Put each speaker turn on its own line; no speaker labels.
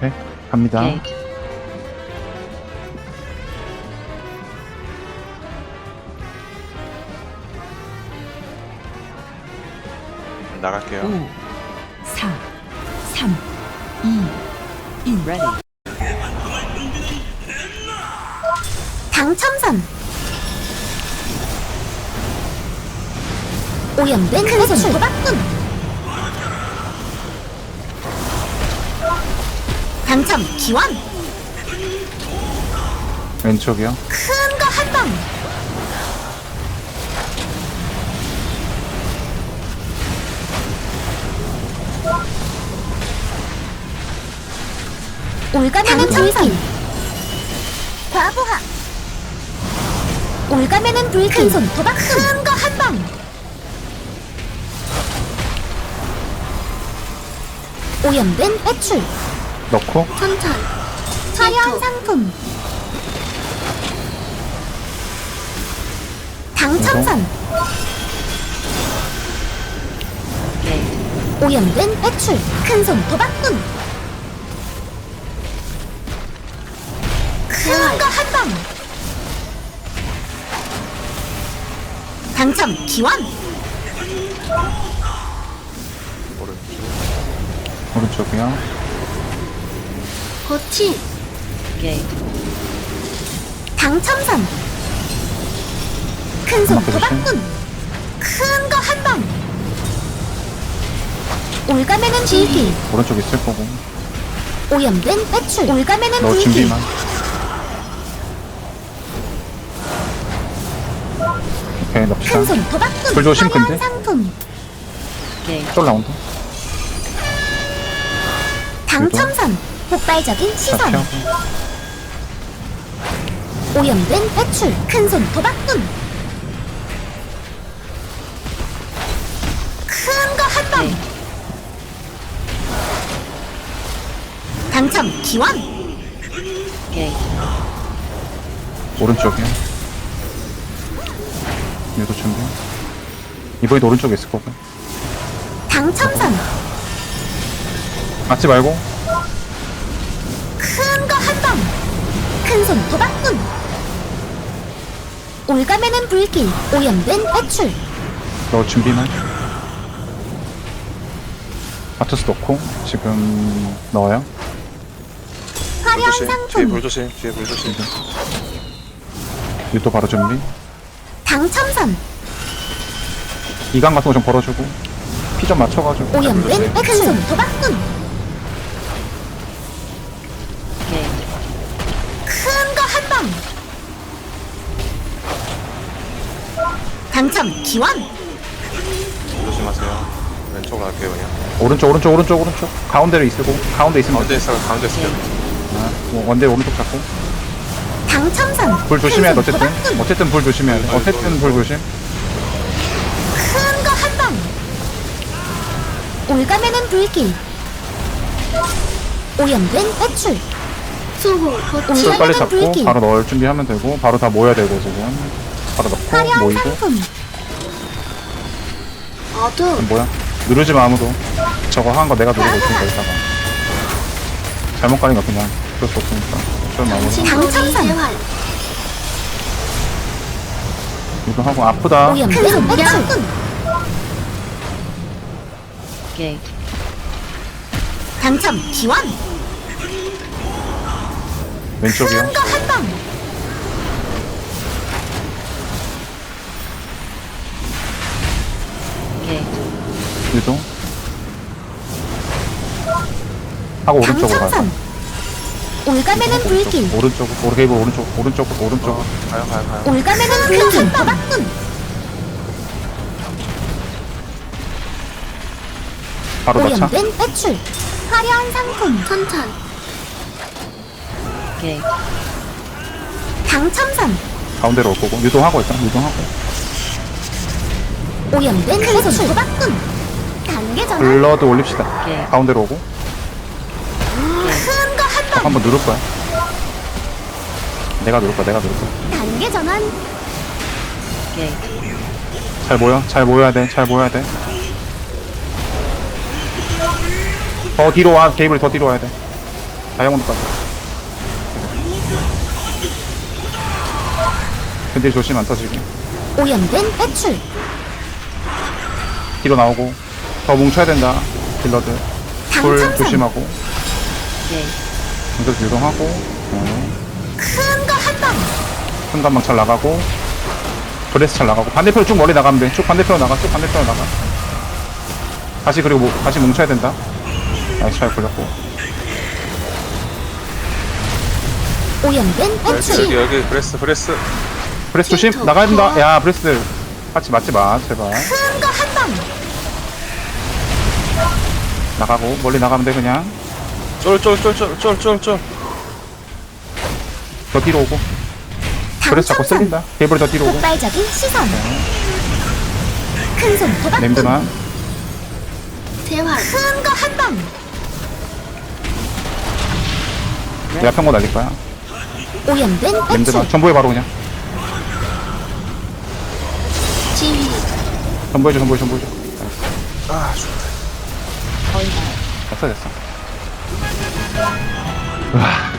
네, 갑니다.
게이트.
나갈게요.
5, 4, 3, 2, 1. Ready.
당첨선 오염된 배출 도박꾼 당첨 기원
왼쪽이요.
큰 거 한방 올가매는 불길 과부하 올가매는 불길 큰손 도박 큰 거 한방 오염된 배출
넣고
천천 화려한 상품 당첨선
게이트.
오염된 배출 큰손 도박꾼 큰 거 한방 당첨 기원
오른쪽이요.
고치
게이트.
당첨선 큰손
한번
도박꾼 큰 거 한방 올가매는 불길
오른쪽 있을 거고.
오염된 배출 올가매는
너
불길
준비만. 오케이, 넣읍시다.
큰손 도박꾼
불 조심,
화려한
근데.
상품
게이트.
쫄 라운드.
당첨선 폭발적인
자,
시선
피하고.
오염된 배출 큰손 도박꾼 큰 거 한방
게이트.
당첨 기원
게이트.
오른쪽이요. 얘도 준비. 이번에도 오른쪽에 있을 거고.
당첨선
맞지 말고.
큰 거 한방 큰손 도박꾼 올가매는 불길 오염된 배출
너 준비만. 아토스 넣고 지금 넣어요.
화려한
불조심. 뒤에
상품
불조심. 뒤에 불조심.
유도 바로 준비.
당첨선
이강 같은 거 좀 걸어주고 피 좀 맞춰가지고.
오염된 배출 큰손 도박꾼
게이트.
큰 거 한방 당첨 기원
조심하세요. 왼쪽으로 갈게요 그냥.
오른쪽 가운데로 있고 가운데 있으면
가운데
돼.
있어. 가운데 있어.
원대 오른쪽 잡고
당첨선
불 조심해야 돼.
큰손
어쨌든
도박꾼
어쨌든 불 조심해야 돼. 어쨌든 불 조심.
큰 거 한방 올가매는 불길 오염된 배출 수호
불
올가매는
빨리 잡고
불길
바로 넣을 준비하면 되고 바로 다 모여야 되고 지금 바로 넣고
화려한
모이고.
상품 어둠
뭐야? 누르지 마 아무도. 저거 한 거 내가 누르고 있으니까 이따가 잘못 가니까 그냥 어쩔 수 없으니까 좀 마무리.
당첨선
이거 하고 아프다.
오염된 배출
게이트.
당첨 기원
왼쪽이요.
큰 거 한방
게이트.
유도 하고 오른쪽으로 가자.
당첨선 올가매는 불길
오른쪽.
가요.
올가매는 불길 도박꾼
바로 넣자.
오염된 배출 화려한 상품 천천
게이트.
당첨선
가운데로 올 거고 유도하고 일단 유도하고
오염된 배출 도박꾼 단계 전환
블러드 올립시다.
오케이.
가운데로 오고
큰 거 한방
한번 누를 거야. 내가 누를 거야.
단계 전환
게이트.
잘 모여야 돼. 더 뒤로 와. 게이블 더 뒤로 와야 돼. 다이아몬드까지. 근데 조심 안 터지게.
오염된 배출.
뒤로 나오고. 더 뭉쳐야 된다. 딜러들. 돌
당첨선.
조심하고.
게이트,
공격 유동하고.
큰 거 한 방.
순간방 잘 나가고. 브레스 잘 나가고. 반대편으로 쭉 멀리 나가면 돼. 쭉 반대편으로 나가. 쭉 반대편으로 나가. 다시 그리고 다시 뭉쳐야 된다. 나이스 잘 걸렸고.
오염된
여기
배출.
여기 브레스 브레스.
브레스 조심. 나가야 된다. 야 브레스. 같이 맞지 마. 제발.
큰 거 한 방.
나가고. 멀리 나가면 돼 그냥.
쫄쫄쫄쫄쫄쫄쫄.
더 뒤로 오고. 브레스 자꾸
당첨선.
쓸린다. 케이블 더 뒤로 오고.
폭발적인 시선. 큰손 도박꾼.
냄드만.
대화. 큰 거 한 방.
내가 평고 날릴 거야.
오염된 배출.
냄드만. 전부해 바로 그냥.
지휘.
전부해줘 전부해줘.
아 좋다.
얼발,
됐어 됐어. 으아.